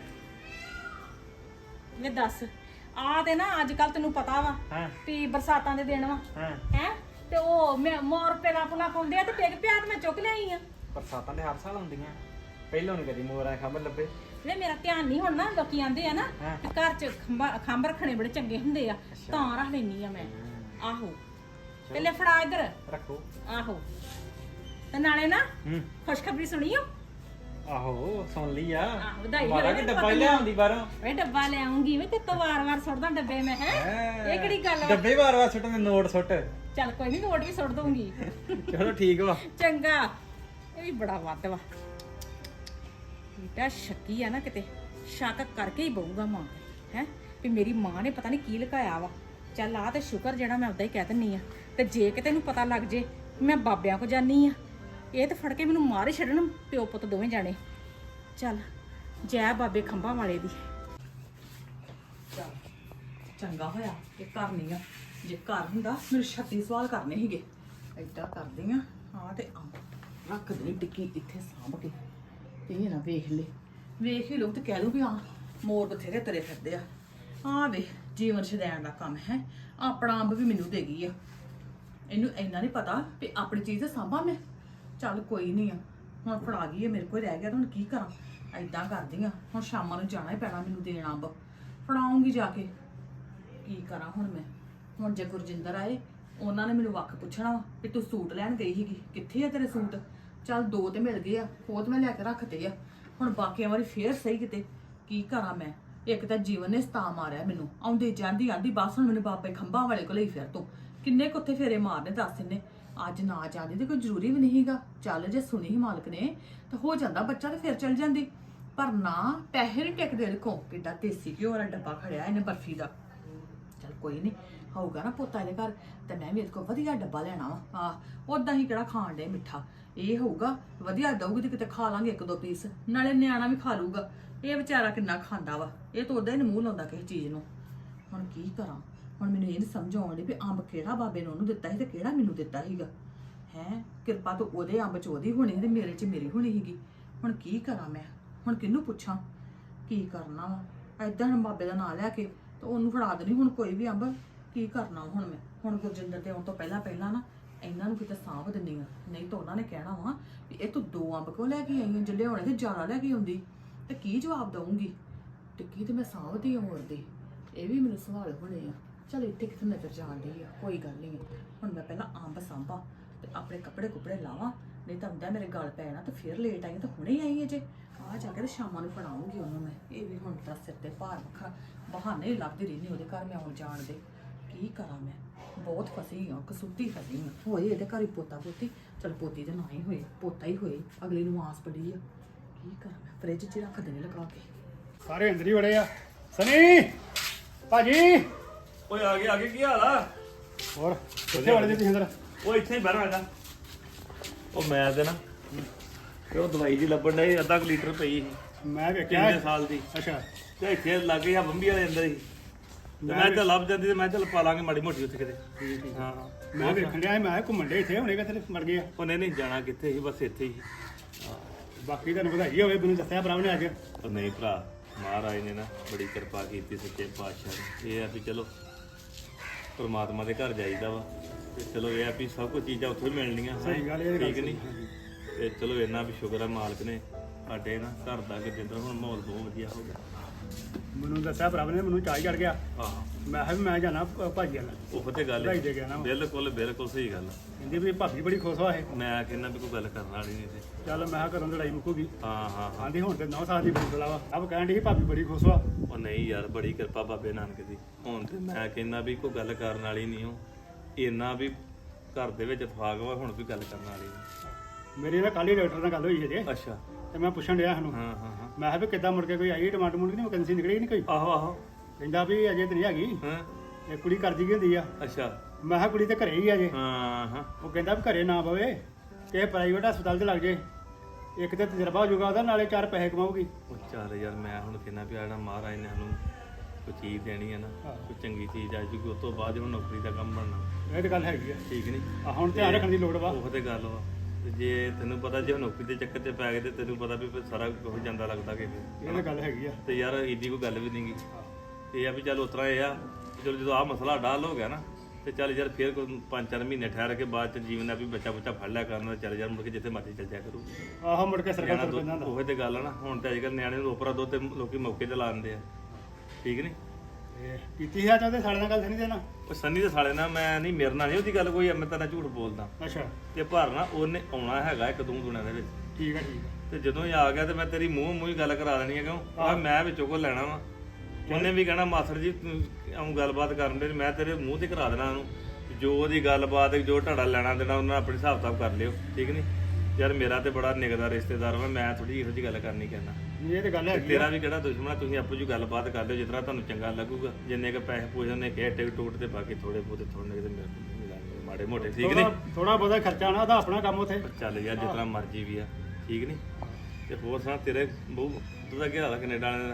ਇਹ ਦੱਸ ਆ ਤੇ ਨਾ ਅੱਜ ਕੱਲ ਤੈਨੂੰ ਪਤਾ ਵਾ ਹਾਂ ਵੀ ਬਰਸਾਤਾਂ ਦੇ ਦਿਨ ਵਾ ਹਾਂ। ਹੈ ਤੇ ਉਹ ਮੈਂ ਮੋਰ ਪੇਲਾ ਪੁਲਾ ਪਾਉਂਦੇ ਆ ਤੇ ਪਿੱਗ ਪਿਆ ਤੇ ਮੈਂ ਚੁੱਕ ਲਿਆਈ ਆ ਬਰਸਾਤਾਂ ਦੇ ਹਰ ਸਾਲ ਆਉਂਦੀਆਂ, ਪਹਿਲਾਂ ਨਹੀਂ ਕਦੀ ਮੋਰਾਂ ਖੰਭ ਲੱਭੇ। ਵੇ ਮੇਰਾ ਧਿਆਨ ਨਹੀਂ ਹੁਣ ਨਾ ਲੋਕੀ ਆਂਦੇ ਆ ਨਾ ਹਾਂ। ਕਿ ਘਰ ਚ ਖੰਭਾ ਖੰਭ ਰੱਖਣੇ ਬੜੇ ਚੰਗੇ ਹੁੰਦੇ ਆ ਅੱਛਾ। ਤਾਂ ਰੱਖ ਲੈਣੀ ਆ ਮੈਂ ਆਹੋ ਪਹਿਲੇ ਫੜਾ ਇੱਧਰ ਰੱਖੋ। ਆਹੋ ਤੇ ਨਾਲੇ ਨਾ ਹੂੰ ਖੁਸ਼ਖਬਰੀ ਸੁਣੀਓ ਆਹੋ ਸੁਣ ਲਈ ਆ। ਆਹੋ, ਵਧਾਈ ਮਾਰਾ ਹੋਵੇ ਕਿ ਨਾ ਡੱਬਾ ਹੀ ਪਤਾ ਲਿਆਉਂਦੀ ਬਾਹਰੋਂ। ਵੇ ਡੱਬਾ ਲੈ ਆਉਂਗੀ ਵੇ ਤੇ ਤੋਂ ਵਾਰ-ਵਾਰ ਸੁੱਟਦਾ ਡੱਬੇ ਮੈਂ ਹੈ ਇਹ ਕਿਹੜੀ ਗੱਲ ਵਾ ਡੱਬੇ ਵਾਰ ਵਾਰ ਸੁੱਟਣ ਦੇ ਨੋਟ ਸੁੱਟ। ਚੱਲ ਕੋਈ ਨਹੀਂ ਨੋਟ ਵੀ ਸੁੱਟ ਦੂੰਗੀ ਚਲੋ ਠੀਕ ਵਾ। ਚੰਗਾ ਇਹ ਵੀ ਬੜਾ ਵੱਧ ਵਾ ਬੇਟਾ ਸ਼ੱਕੀ ਆ ਨਾ ਕਿਤੇ ਸ਼ੱਕ ਕਰਕੇ ਹੀ ਬਹੂਗਾ ਮਾਂ ਹੈ ਵੀ ਮੇਰੀ ਮਾਂ ਨੇ ਪਤਾ ਨਹੀਂ ਕੀ ਲੁਕਾਇਆ ਵਾ ਚੱਲ ਆ ਤੇ ਸ਼ੁਕਰ ਜਿਹੜਾ ਮੈਂ ਉਦਾਂ ਹੀ ਕਹਿ ਦਿੰਨੀ ਆ ਤੇ ਜੇ ਕਿਤੇ ਨੂੰ ਪਤਾ ਲੱਗ ਜੇ ਮੈਂ ਬਾਬਿਆਂ ਕੋ ਜਾਨੀ ਆ ਇਹ ਤੇ ਫੜ ਕੇ ਮੈਨੂੰ ਮਾਰ ਹੀ ਛੱਡਣ ਪਿਓ ਪੁੱਤ ਦੋਵੇਂ ਜਾਣੇ ਚੱਲ ਜੈ ਬਾਬੇ ਖੰਭਾਂ ਵਾਲੇ ਦੀ ਚੱਲ ਚੰਗਾ ਹੋਇਆ ਇਹ ਘਰ ਨਹੀਂ ਆ, ਜੇ ਘਰ ਹੁੰਦਾ ਮੈਨੂੰ ਛੱਤੀ ਸਵਾਲ ਕਰਨੇ ਸੀਗੇ ਏਦਾਂ ਕਰਦੀ ਆ ਹਾਂ ਤੇ ਅੰਬ ਰੱਖ ਦੇ ਟਿੱਕੀ ਇੱਥੇ ਸਾਂਭ ਕੇ ਤੇ ਇਹ ਨਾ ਵੇਖ ਲੈ ਵੇਖ ਹੀ ਲੋਕ ਤੇ ਕਹਿ ਲੂ ਵੀ ਆ ਮੋਰ ਬਥੇਰੇ ਤਰੇ ਫਿਰਦੇ ਆ ਆ ਵੇ ਜੀਵਨ ਛਡਾਉਣ ਦਾ ਕੰਮ ਹੈ ਆਪਣਾ ਅੰਬ ਵੀ ਮੈਨੂੰ ਦੇ ਗਈ ਆ ਇਹਨੂੰ ਇੰਨਾ ਨਹੀਂ ਪਤਾ ਵੀ ਆਪਣੀ ਚੀਜ਼ ਤੇ ਸਾਂਭਾਂ ਮੈਂ ਚੱਲ ਕੋਈ ਨਹੀਂ ਆ ਹੁਣ ਫੜਾ ਗਈ ਆ ਮੇਰੇ ਕੋਲ ਰਹਿ ਗਿਆ ਤਾਂ ਹੁਣ ਕੀ ਕਰਾਂ ਏਦਾਂ ਕਰਦੀ ਆ ਹੁਣ ਸ਼ਾਮਾਂ ਨੂੰ ਜਾਣਾ ਹੀ ਪੈਣਾ ਮੈਨੂੰ ਦੇਣ ਅੰਬ ਫੜਾਉਂਗੀ ਜਾ ਕੇ ਕੀ ਕਰਾਂ ਹੁਣ ਮੈਂ ਹੁਣ ਜੇ ਗੁਰਜਿੰਦਰ ਆਏ ਉਹਨਾਂ ਨੇ ਮੈਨੂੰ ਵੱਖ ਪੁੱਛਣਾ ਵਾ ਵੀ ਤੂੰ ਸੂਟ ਲੈਣ ਗਈ ਸੀਗੀ ਕਿੱਥੇ ਆ ਤੇਰੇ ਸੂਟ ਚੱਲ ਦੋ ਤੇ ਮਿਲ ਗਏ ਆ ਉਹ ਤੇ ਮੈਂ ਲੈ ਕੇ ਰੱਖਤੇ ਆ ਹੁਣ ਬਾਕੀਆਂ ਵਾਰੀ ਫੇਰ ਸਹੀ ਕਿਤੇ ਕੀ ਕਰਾਂ ਮੈਂ ਇੱਕ ਤਾਂ ਜੀਵਨ ਨੇ ਸਤਾ ਮਾਰਿਆ ਮੈਨੂੰ ਆਉਂਦੀ ਜਾਂਦੀ ਆਂਦੀ ਬਸ ਹੁਣ ਮੈਨੂੰ ਬਾਬੇ ਖੰਭਾਂ ਵਾਲੇ ਕੋਲ ਹੀ ਫਿਰ ਤੋਂ ਕਿੰਨੇ ਕੁੱਥੇ ਫੇਰੇ ਮਾਰਨੇ ਦੱਸ ਇਹਨੇ ਅੱਜ ਨਾ ਜਾਂਦੀ ਤੇ ਕੋਈ ਜ਼ਰੂਰੀ ਵੀ ਨਹੀਂਗਾ ਚੱਲ ਜੇ ਸੁਣੀ ਹੀ ਮਾਲਕ ਨੇ ਤਾਂ ਹੋ ਜਾਂਦਾ ਬੱਚਾ ਤੇ ਫਿਰ ਚੱਲ ਜਾਂਦੀ ਪਰ ਨਾ ਪੈਸੇ ਨਹੀਂ ਟਿਕਦੇ ਦੇਖੋ ਕਿੱਡਾ ਦੇਸੀ ਘਿਓ ਵਾਲਾ ਡੱਬਾ ਖੜਿਆ ਇਹਨੇ ਬਰਫੀ ਦਾ ਚੱਲ ਕੋਈ ਨਹੀਂ ਹੋਊਗਾ ਨਾ ਪੁੱਤਾਂ ਦੇ ਘਰ ਤੇ ਮੈਂ ਵੀ ਇਹਦੇ ਕੋਲ ਵਧੀਆ ਡੱਬਾ ਲੈਣਾ ਵਾ ਆ ਉਦਾਂ ਹੀ ਕਿਹੜਾ ਖਾਣ ਦੇ ਮਿੱਠਾ ਇਹ ਹੋਊਗਾ ਵਧੀਆ ਦਊਗੀ ਤੇ ਕਿਤੇ ਖਾ ਲਾਂਗੇ ਇੱਕ ਦੋ ਪੀਸ ਨਾਲੇ ਨਿਆਣਾ ਵੀ ਖਾ ਲੂਗਾ ਇਹ ਵਿਚਾਰਾ ਕਿੰਨਾ ਖਾਂਦਾ ਵਾ ਇਹ ਤਾਂ ਉਦਾਂ ਹੀ ਨੀ ਮੂੰਹ ਲਾਉਂਦਾ ਕਿਸੇ ਚੀਜ਼ ਨੂੰ ਹੁਣ ਕੀ ਕਰਾਂ ਹੁਣ ਮੈਨੂੰ ਇਹ ਨੀ ਸਮਝ ਆਉਣ ਡਈ ਵੀ ਅੰਬ ਕਿਹੜਾ ਬਾਬੇ ਨੇ ਉਹਨੂੰ ਦਿੱਤਾ ਸੀ ਤੇ ਕਿਹੜਾ ਮੈਨੂੰ ਦਿੱਤਾ ਸੀਗਾ ਹੈ ਕਿਰਪਾ ਤਾਂ ਉਹਦੇ ਅੰਬ ਚ ਉਹਦੀ ਹੋਣੀ ਤੇ ਮੇਰੇ ਚ ਮੇਰੀ ਹੋਣੀ ਸੀਗੀ ਹੁਣ ਕੀ ਕਰਾਂ ਮੈਂ ਹੁਣ ਕਿਹਨੂੰ ਪੁੱਛਾਂ ਕੀ ਕਰਨਾ ਵਾ ਏਦਾਂ ਹੁਣ ਬਾਬੇ ਦਾ ਨਾਂ ਲੈ ਕੇ ਤੇ ਉਹਨੂੰ ਫੜਾ ਦੇਣੀ ਹੁਣ ਕੋਈ ਵੀ ਅੰਬ ਕੀ ਕਰਨਾ ਹੁਣ ਮੈਂ ਹੁਣ ਗੁਰਜਿੰਦਰ ਦੇ ਆਉਣ ਤੋਂ ਪਹਿਲਾਂ ਪਹਿਲਾਂ ਨਾ ਇਹਨਾਂ ਨੂੰ ਕਿਤੇ ਸਾਂਭ ਦਿੰਦੀ ਆ ਨਹੀਂ ਤਾਂ ਉਹਨਾਂ ਨੇ ਕਹਿਣਾ ਵਾ ਵੀ ਇਹ ਤੂੰ ਦੋ ਅੰਬ ਕਿਉਂ ਲੈ ਕੇ ਆਈ ਜੇ ਲਿਆਉਣੇ ਤੇ ਜ਼ਿਆਦਾ ਲੈ ਕੇ ਆਉਂਦੀ ਤੇ ਕੀ ਜਵਾਬ ਦਊਂਗੀ ਟਿੱਕੀ ਤੇ ਮੈਂ ਸਾਂਭਦੀ ਹੋਰ ਦੀ ਇਹ ਵੀ ਮੈਨੂੰ ਸਵਾਲ ਹੋਣੇ ਆ ਚਲ ਇੱਥੇ ਕਿਤੇ ਨਜ਼ਰ ਜਾਂਦੀ ਆ ਕੋਈ ਗੱਲ ਨਹੀਂ ਹੁਣ ਮੈਂ ਪਹਿਲਾਂ ਅੰਬ ਸਾਂਭਾਂ ਤੇ ਆਪਣੇ ਕੱਪੜੇ ਕੁਪੜੇ ਲਾਵਾਂ ਨਹੀਂ ਤਾਂ ਹੁੰਦਾ ਮੇਰੇ ਗਲ ਪੈ ਜਾਣਾ ਤੇ ਫਿਰ ਲੇਟ ਆਈ ਤਾਂ ਹੁਣੇ ਆਈ ਹੈ ਜੇ ਆ ਜਾ ਕੇ ਤੇ ਸ਼ਾਮਾਂ ਨੂੰ ਪੜਾਉਂਗੀ ਉਹਨੂੰ ਮੈਂ ਇਹ ਵੀ ਹੁਣ ਤਾਂ ਸਿਰ ਤੇ ਭਾਰ ਵੱਖਰਾ ਬਹਾਨੇ ਹੀ ਲੱਭਦੀ ਰਹਿੰਦੀ ਉਹਦੇ ਘਰ ਮੈਂ ਆਉਣ ਜਾਣ ਦੇ ਕੀ ਕਰਾਂ ਮੈਂ ਬਹੁਤ ਫਸੀ ਆ ਕਸੂਤੀ ਫਸੀ ਆ ਹੋਏ ਇਹਦੇ ਘਰ ਹੀ ਪੋਤਾ ਪੋਤੀ ਚਲ ਪੋਤੀ ਤਾਂ ਨਾ ਹੀ ਹੋਏ ਪੋਤਾ ਹੀ ਹੋਏ ਅਗਲੀ ਨੂੰ ਆਸ ਪੜੀ ਆ ਕੀ ਕਰਾਂ ਮੈਂ ਫ੍ਰਿਜ 'ਚ ਰੱਖ ਦੇਣੇ ਲਗਾ ਕੇ ਸਾਰੇ ਅੰਦਰ ਹੀ ਵੜੇ ਆ ਸਨੀ ਭਾਜੀ ਓਏ ਆ ਗਏ ਆ ਗਏ ਕੀ ਹਾਲ ਆ ਹੋਰ ਕਿੱਥੇ ਵੜੇ ਜੀ ਤੁਸੀਂ ਅੰਦਰ ਉਹ ਇੱਥੇ ਹੀ ਬਹਿਣਾ ਹੈਗਾ ਉਹ ਮੈਂ ਤੇ ਨਾ ਤੇ ਉਹ ਦਵਾਈ ਦੀ ਲੱਭਣ ਡਈ ਅੱਧਾ ਕੁ ਲੀਟਰ ਪਈ ਸੀ ਮੈਂ ਵੇਖਿਆ ਕਿੰਨੇ ਸਾਲ ਦੀ ਅੱਛਾ ਤੇ ਇੱਥੇ ਲੱਗੇ ਆ ਬੰਬੀ ਵਾਲੇ ਅੰਦਰ ਹੀ ਤੇ ਮੈਂ ਤਾਂ ਲੱਭ ਜਾਂਦੀ ਤੇ ਮੈਂ ਚੱਲ ਪਾ ਲਾਂਗੇ ਮਾੜੀ ਮੋਟੀ ਉੱਥੇ ਕਿਤੇ ਹਾਂ ਮੈਂ ਵੇਖਣ ਡਿਆ ਸੀ, ਮੈਂ ਕਿਹਾ ਘੁੰਮਣ ਡੇ ਇੱਥੇ ਹੁਣੇ ਕਿਤੇ ਮਰ ਗਏ ਆ ਉਹਨੇ ਨਹੀਂ ਜਾਣਾ ਕਿੱਥੇ ਸੀ ਬਸ ਇੱਥੇ ਹੀ ਬਾਕੀ ਤੁਹਾਨੂੰ ਵਧਾਈ ਹੋਵੇ ਮੈਨੂੰ ਦੱਸਿਆ ਭਰਾ ਨੇ ਅੱਜ ਉਹ ਨਹੀਂ ਭਰਾ ਮਹਾਰਾਜ ਨੇ ਨਾ ਬੜੀ ਕਿਰਪਾ ਕੀਤੀ ਸੱਚੇ ਪਾਤਸ਼ਾਹ ਨੇ ਇਹ ਆ ਵੀ ਚਲੋ ਪਰਮਾਤਮਾ ਦੇ ਘਰ ਜਾਈਦਾ ਵਾ ਤੇ ਚਲੋ ਇਹ ਆ ਵੀ ਸਭ ਕੁਝ ਚੀਜ਼ਾਂ ਉੱਥੋਂ ਹੀ ਮਿਲਣੀਆਂ ਸਹੀ ਗੱਲ ਇਹ ਠੀਕ ਨਹੀਂ ਤੇ ਚਲੋ ਇੰਨਾ ਵੀ ਸ਼ੁਕਰ ਆ ਮਾਲਕ ਨੇ ਸਾਡੇ ਨਾ ਘਰ ਦਾ ਜਿੱਦਾਂ ਹੁਣ ਮਾਹੌਲ ਬਹੁਤ ਵਧੀਆ ਹੋ ਗਿਆ ਮੈਨੂੰ ਦੱਸਿਆ ਭਰਾ ਨੇ ਮੈਨੂੰ ਚਾਹ ਚੜ ਗਿਆ ਆਹ ਮੈਂ ਕਿਹਾ ਵੀ ਮੈਂ ਜਾਣਾ ਭਾਜੀ ਨਾਲ ਉਹ ਤੇ ਗੱਲ ਵਧਾਈ ਦੇ ਗਿਆ ਨਾ ਬਿਲਕੁਲ ਬਿਲਕੁਲ ਸਹੀ ਗੱਲ ਆ। ਕਹਿੰਦੀ ਵੀ ਭਾਬੀ ਬੜੀ ਖੁਸ਼ ਹੋਆ ਇਹ ਮੈਂ ਕਹਿੰਦਾ ਵੀ ਕੋਈ ਗੱਲ ਕਰਨ ਵਾਲੀ ਨਹੀਂ ਤੇ ਚੱਲ ਮੈਂ ਕਿਹਾ ਘਰੋਂ ਲੜਾਈ ਮੁੱਕੂਗੀ ਹਾਂ ਹਾਂ ਹਾਂ ਆਂਦੀ ਹੁਣ ਤੇ ਨੌ ਸਾਲ ਦੀ ਬੜੀ ਬਲਾ ਵਾ ਆਪ ਕਹਿਣ ਡਈ ਸੀ ਭਾਬੀ ਬੜੀ ਖੁਸ਼ ਹੋਆ ਉਹ ਨਹੀਂ ਯਾਰ ਬੜੀ ਕਿਰਪਾ ਬਾਬੇ ਨਾਨਕ ਦੀ ਹੁਣ ਤੇ ਮੈਂ ਕਹਿੰਦਾ ਵੀ ਕੋਈ ਗੱਲ ਕਰਨ ਵਾਲੀ ਨਹੀਂ ਉਹ ਇੰਨਾ ਵੀ ਘਰ ਦੇ ਵਿੱਚ ਫਾਗ ਵਾ ਹੁਣ ਵੀ ਗੱਲ ਕਰਨ ਵਾਲੀ ਨਹੀਂ ਮੇਰੇ ਨਾਲ ਕੱਲ ਹੀ ਡਾਕਟਰ ਨਾਲ ਗੱਲ ਹੋਈ ਹੈ ਜੇ ਅੱਛਾ ਤੇ ਮੈਂ ਪੁੱਛਣ ਡਿਆ ਸਾਨੂੰ ਹਾਂ ਹਾਂ ਹਾਂ ਮੈਂ ਕਿਹਾ ਵੀ ਕਿੱਦਾਂ ਮੁੜ ਕੇ ਕੋਈ ਆਈ ਟਮਾਟਰ ਮੁੜ ਕੇ ਨਹੀਂ ਵੈਕੈਂਸੀ ਨਿਕਲੀ ਨਹੀਂ ਕੋਈ ਆਹੋ ਆਹੋ ਕਹਿੰਦਾ ਵੀ ਅਜੇ ਤੇ ਨਹੀਂ ਹੈਗੀ ਹਾਂ ਇਹ ਕੁੜੀ ਕਰਦੀ ਕੀ ਹੁੰਦੀ ਆ ਅੱਛਾ ਮੈਂ ਕਿਹਾ ਕੁੜੀ ਤੇ ਘਰੇ ਹੀ ਆ ਜੇ ਹਾਂ ਹਾਂ ਉਹ ਕਹਿੰਦਾ ਵੀ ਘਰੇ ਨਾ ਪਵੇ ਕਿ ਪ੍ਰਾਈਵੇਟ ਹਸਪਤਾਲ 'ਚ ਲੱਗ ਜੇ ਇੱਕ ਤੇ ਤਜਰਬਾ ਹੋ ਜਾਊਗਾ ਉਹਦਾ ਨਾਲੇ ਚਾਰ ਪੈਸੇ ਕਮਾਊਗੀ ਉਹ ਚੱਲ ਯਾਰ ਮੈਂ ਹੁਣ ਕਹਿੰਦਾ ਵੀ ਆਣਾ ਮਹਾਰਾਜ ਨੇ ਸਾਨੂੰ ਕੋਈ ਚੀਜ਼ ਦੇਣੀ ਹੈ ਨਾ ਕੋਈ ਚੰਗੀ ਚੀਜ਼ ਆ ਜੂਗੀ ਉਸ ਤੋਂ ਬਾਅਦ ਹੁਣ ਨੌਕਰੀ ਦਾ ਕੰਮ ਬਣਨਾ ਇਹ ਤਾਂ ਗੱਲ ਹੈਗੀ ਆ ਠੀਕ ਨਹੀਂ ਆ ਹੁਣ ਧਿਆਨ ਰੱਖਣ ਦੀ ਲੋੜ ਵਾ ਉਹ ਤੇ ਗੱਲ ਵਾ ਤੇ ਜੇ ਤੈਨੂੰ ਪਤਾ ਜੇ ਨੌਕਰੀ ਦੇ ਚੱਕਰ 'ਚ ਪੈ ਗਏ ਤੇ ਤੈਨੂੰ ਪਤਾ ਵੀ ਫਿਰ ਸਾਰਾ ਕੁਝ ਜਾਂਦਾ ਲੱਗਦਾ ਕਿ ਇਹ ਤਾਂ ਗੱਲ ਹੈਗੀ ਆ ਤੇ ਯਾਰ ਏਡੀ ਕੋਈ ਗੱਲ ਵੀ ਨਹੀਂਗੀ ਇਹ ਆ ਵੀ ਚੱਲ ਉਤਰਾ ਇਹ ਆ ਚਲੋ ਜਦੋਂ ਆਹ ਮਸਲਾ ਡਾਲ ਹੋ ਗਿਆ ਨਾ ਤੇ ਚੱਲ ਯਾਰ ਫੇਰ ਕੋਈ ਪੰਜ ਚਾਰ ਮਹੀਨੇ ਠਹਿਰ ਕੇ ਬਾਅਦ ਚ ਜੀਵਨ ਦਾ ਵੀ ਬੱਚਾ ਬੱਚਾ ਫੜ ਲਿਆ ਕਰਨਾ ਚੱਲ ਯਾਰ ਮੁੜ ਕੇ ਜਿੱਥੇ ਮਰਜ਼ੀ ਚੱਲ ਜਾਇਆ ਕਰੂ ਆਹੋ ਮੁੜ ਕੇ ਸਰਕਾਰ ਨਿਆਣਾ ਤੋਂ ਪੈਂਦਾ ਹੁੰਦਾ ਉਹ ਤੇ ਗੱਲ ਆ ਨਾ ਹੁਣ ਤੇ ਅੱਜ ਕੱਲ੍ਹ ਨਿਆਣੇ ਨੂੰ ਉਪਰਾ ਦੋ ਤੇ ਲੋਕੀ ਮੌਕੇ ਤੇ ਲਾ ਦਿੰਦੇ ਆ ਠੀਕ ਨਹੀਂ ਇਹ ਕੀਤੀ ਹੈ ਚਾਹਦੇ ਸਾਡੇ ਨਾਲ ਗੱਲ ਨਹੀਂ ਦੇਣਾ ਉਹ ਸੰਨੀ ਦੇ ਸਾਲੇ ਨਾਲ ਮੈਂ ਨਹੀਂ ਮੇਰੇ ਨਾਲ ਨਹੀਂ ਉਹਦੀ ਗੱਲ ਕੋਈ ਮੈਂ ਤੇਰਾ ਝੂਠ ਬੋਲਦਾ ਅੱਛਾ ਤੇ ਪਰ ਨਾ ਉਹਨੇ ਆਉਣਾ ਹੈਗਾ ਇੱਕ ਦੋ ਦਿਨਾਂ ਦੇ ਵਿੱਚ ਠੀਕ ਆ ਠੀਕ ਆ ਤੇ ਜਦੋਂ ਇਹ ਆ ਗਿਆ ਤੇ ਮੈਂ ਤੇਰੀ ਮੂੰਹ ਮੂੰਹ ਹੀ ਗੱਲ ਕਰਾ ਦੇਣੀ ਹੈ ਕਿਉਂ ਆ ਮੈਂ ਵਿੱਚੋਂ ਕੋ ਲੈਣਾ ਵਾ ਉਹਨੇ ਵੀ ਕਹਿਣਾ ਮਾਸਟਰ ਜੀ ਆਉਂ ਗੱਲਬਾਤ ਕਰਨ ਦੇ ਮੈਂ ਤੇਰੇ ਮੂੰਹ ਤੇ ਕਰਾ ਦੇਣਾ ਉਹਨੂੰ ਜੋ ਉਹਦੀ ਗੱਲਬਾਤ ਜੋ ਢਾੜਾ ਲੈਣਾ ਦੇਣਾ ਉਹਨਾਂ ਆਪਣੀ ਹਿਸਾਬ ਕਿਤਾਬ ਕਰ ਲਿਓ ਠੀਕ ਨਹੀਂ ਯਾਰ ਮੇਰਾ ਤੇ ਬੜਾ ਨਿਗਦਾ ਰਿਸ਼ਤੇਦਾਰ ਵਾ ਮੈਂ ਥੋੜੀ ਇਹੋ ਜਿਹੀ ਗੱਲ ਕਰਨੀ ਕਹਿਣਾ ਇਹ ਤੇ ਗੱਲ ਹੈਗੀ ਤੇਰਾ ਵੀ ਕਿਹੜਾ ਦੁਸ਼ਮਣ ਆ ਤੁਸੀਂ ਆਪੋ ਜੀ ਗੱਲਬਾਤ ਕਰ ਲਿਓ ਜਿਸ ਤਰ੍ਹਾਂ ਤੁਹਾਨੂੰ ਚੰਗਾ ਲੱਗੂਗਾ ਜਿੰਨੇ ਕ ਪੈਸੇ ਪੂਜਣ ਨੇ ਕਿਹਾ ਟਿਕ ਟੂਟ ਤੇ ਬਾਕੀ ਥੋੜੇ ਬਹੁਤੇ ਥੋੜੇ ਕਿਤੇ ਮਿਲਾਂਗੇ ਮਾੜੇ ਮੋਟੇ ਠੀਕ ਨਹੀਂ ਥੋੜਾ ਬਹੁਤਾ ਖਰਚਾ ਨਾ ਉਹਦਾ ਆਪਣਾ ਕੰਮ ਉਥੇ ਚੱਲ ਯਾਰ ਜਿਸ ਤਰ੍ਹਾਂ ਮਰਜ਼ੀ ਵੀ ਆ ਠੀਕ ਨਹੀਂ ਤੇ ਹੋਰ ਸੁਣਾ ਤੇਰੇ ਬਹੁ ਤੂੰ ਤਾਂ ਕੀ ਹਾਲ ਆ ਕੈਨੇਡਾ ਵਾਲੇ ਦਾ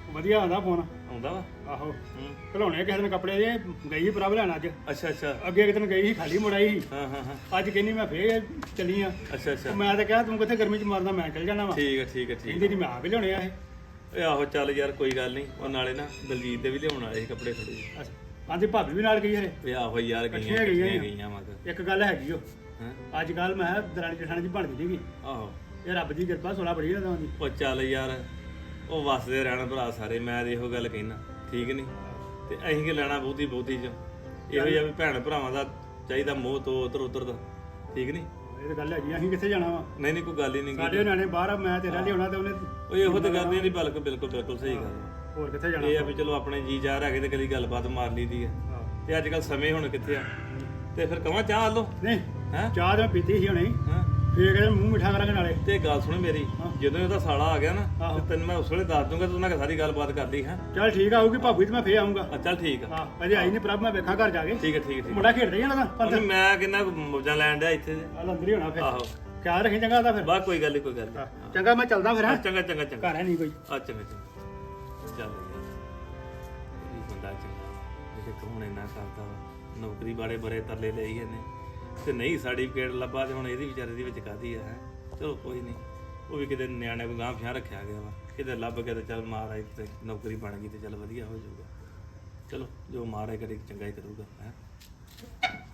ਵਧੀਆ ਆਉਂਦਾ ਫੋਨ ਆਉਂਦਾ ਵਾ ਆਹੋ ਹੂੰ ਘਲਾਉਣੇ ਕਿਸੇ ਦਿਨ ਕੱਪੜੇ ਜੇ ਗਈ ਪ੍ਰਭ ਲੈਣ ਅੱਜ ਅੱਛਾ ਅੱਛਾ ਅੱਗੇ ਇੱਕ ਦਿਨ ਗਈ ਸੀ ਖਾਲੀ ਮੁੜਾਈ ਸੀ ਹਾਂ ਹਾਂ ਹਾਂ ਅੱਜ ਕਹਿੰਦੀ ਮੈਂ ਫੇਰ ਚੱਲੀ ਆ ਅੱਛਾ ਅੱਛਾ ਮੈਂ ਤਾਂ ਕਿਹਾ ਤੂੰ ਕਿੱਥੇ ਗਰਮੀ ਚ ਮਾਰਦਾ ਮੈਂ ਚੱਲ ਜਾਣਾ ਵਾ ਠੀਕ ਹੈ ਠੀਕ ਹੈ ਠੀਕ ਕਹਿੰਦੀ ਨਹੀਂ ਮੈਂ ਆਪ ਹੀ ਲਿਆਉਣੇ ਆ ਇਹ ਓਏ ਆਹੋ ਚੱਲ ਯਾਰ ਕੋਈ ਗੱਲ ਨਹੀਂ ਉਹ ਨਾਲੇ ਨਾ ਦਲਜੀਤ ਦੇ ਵੀ ਲਿਆਉਣ ਵਾਲੇ ਸੀ ਕੱਪੜੇ ਥੋੜੇ ਜਿਹੇ ਅੱਛਾ ਆਂਦੀ ਭਾਬੀ ਵੀ ਨਾਲ ਗਈ ਹਰੇ ਓਏ ਆਹੋ ਯਾਰ ਗਈਆਂ ਇਕੱਠੀਆਂ ਗਈਆਂ ਇਕੱਠੀਆਂ ਗਈਆਂ ਮਗ ਇੱਕ ਗੱਲ ਹੈਗੀ ਉਹ ਹਾਂ ਅੱਜ ਕੱਲ ਮੈਂ ਕਿਹਾ ਦਰਾਣੀ ਜਠਾਣੀ ਦੀ ਬਣਦੀ ਨਹੀਂਗੀ ਆਹੋ ਇਹ ਰੱਬ ਦੀ ਕਿਰਪਾ ਸੋਲਾ ਬੜੀ ਇਹਨਾਂ ਦੀ ਉਹ ਚੱਲ ਯਾਰ ਉਹ ਵਸਦੇ ਰਹਿਣ ਭਰਾ ਸਾਰੇ ਮੈਂ ਤੇ ਇਹੋ ਗੱਲ ਕਹਿਣਾ ਠੀਕ ਨਹੀਂ ਤੇ ਅਸੀਂ ਕੀ ਲੈਣਾ ਬਹੁਤੀ ਬਹੁਤੀ ਚ ਇਹੋ ਜਿਹਾ ਵੀ ਭੈਣ ਭਰਾਵਾਂ ਦਾ ਚਾਹੀਦਾ ਮੋਹ ਤੋਂ ਉਧਰ ਉਧਰ ਦਾ ਠੀਕ ਨਹੀਂ ਇਹ ਤਾਂ ਗੱਲ ਹੈਗੀ ਅਸੀਂ ਕਿੱਥੇ ਜਾਣਾ ਵਾ ਨਹੀਂ ਨਹੀਂ ਕੋਈ ਗੱਲ ਹੀ ਨਹੀਂ ਸਾਡੇ ਨਿਆਣੇ ਬਾਹਰ ਆ, ਮੈਂ ਤੇਰਾ ਲਿਆਉਣਾ ਤੇ ਉਹਨੇ ਉਹ ਇਹੋ ਤੇ ਗੱਲ ਨਹੀਂ ਬਲਕ ਬਿਲਕੁਲ ਬਿਲਕੁਲ ਸਹੀ ਗੱਲ ਆ। ਹੋਰ ਕਿੱਥੇ ਜਾਣਾ ਇਹ ਆ ਵੀ ਚਲੋ ਆਪਣੇ ਜੀ ਜਾ ਹੈਗੇ ਤੇ ਕਦੀ ਗੱਲਬਾਤ ਮਾਰ ਲਈਦੀ ਆ ਹਾਂ। ਤੇ ਅੱਜ ਕੱਲ ਸਮੇਂ ਹੁਣ ਕਿੱਥੇ ਆ ਤੇ ਫਿਰ ਕਹਾਂ ਚਾਹ ਲੋ ਨਹੀਂ ਹੈਂ ਚਾਹ ਤਾਂ ਮੈਂ ਪੀਤੀ ਸੀ ਹੁਣੇ ਹਾਂ ਫੇਰ ਕਹਿੰਦੇ ਮੂੰਹ ਮਿੱਠਾ ਕਰਾਂਗੇ ਨਾਲੇ ਤੇ ਗੱਲ ਸੁਣ ਮੇਰੀ ਜਦੋਂ ਇਹਦਾ ਸਾਲਾ ਆ ਗਿਆ ਨਾ ਆਹੋ। ਤੇ ਤੈਨੂੰ ਮੈਂ ਉਸ ਵੇਲੇ ਦੱਸ ਦੂੰਗਾ ਤੂੰ ਉਹਨਾਂ ਨਾਲ ਸਾਰੀ ਗੱਲਬਾਤ ਕਰ ਲਈ ਹੈ ਚੱਲ ਠੀਕ ਆ ਆਊਗੀ ਭਾਬੀ ਤੇ ਮੈਂ ਫੇਰ ਆਉਂਗਾ ਆ ਚੱਲ ਠੀਕ ਆ ਹਾਂ ਅਜੇ ਆਈ ਨਹੀਂ ਪ੍ਰਭ ਮੈਂ ਵੇਖਾਂ ਘਰ ਜਾ ਕੇ ਠੀਕ ਹੈ ਠੀਕ ਹੈ ਠੀਕ ਮੁੰਡਾ ਖੇਡਦਾ ਹੀ ਜਾਣਾ ਹੈ ਤਾਂ ਮੈਂ ਕਿੰਨਾ ਮੌਜਾਂ ਲੈਣ ਡਿਆ ਇੱਥੇ ਤੇ। ਆ ਅੰਦਰ ਹੀ ਹੋਣਾ ਫਿਰ ਆਹੋ ਖਿਆਲ ਰੱਖੀ ਚੰਗਾ ਉਹਦਾ ਫਿਰ ਬਾ ਕੋਈ ਗੱਲ ਨਹੀਂ ਕੋਈ ਗੱਲ ਹਾਂ, ਨਹੀਂ ਚੰਗਾ ਮੈਂ ਚੱਲਦਾ ਫਿਰ ਹਾਂ ਹਾਂ ਚੰਗਾ ਚੰਗਾ ਚੰਗਾ ਘਰ ਹੈ ਨਹੀਂ ਕੋਈ ਆ ਚੰਗਾ ਚੰਗਾ ਚੱਲ ਇਹ ਬੰਦਾ ਚੰਗਾ ਜੇ ਕੌਣ ਇੰਨਾ ਕਰਦਾ ਵਾ ਨੌਕਰੀ ਵਾਲੇ ਬੜੇ ਤਰਲੇ ਲਈ ਇਹਨੇ ਤੇ ਨਹੀਂ ਸਰਟੀਫਿਕੇਟ ਲੱਭਾ ਤੇ ਹੁਣ ਇਹਦੀ ਵਿਚਾਰੇ ਦੀ ਵਿੱਚ ਕਾਦੀ ਆ ਹੈ ਚਲੋ ਕੋਈ ਨਹੀਂ ਉਹ ਵੀ ਕਿਤੇ ਨਿਆਣੇ ਨੂੰ ਗਾਂਹ ਫਿਆ ਰੱਖਿਆ ਗਿਆ ਵਾ ਕਿਤੇ ਲੱਭ ਕੇ ਤੇ ਚੱਲ ਮਾਰ ਆਈ ਤੇ ਨੌਕਰੀ ਬਣ ਗਈ ਤੇ ਚੱਲ ਵਧੀਆ ਹੋ ਜਾਊਗਾ ਚਲੋ ਜੋ ਮਾਰੇ ਕਰੇ ਚੰਗਾ ਹੀ ਕਰੂਗਾ ਹੈ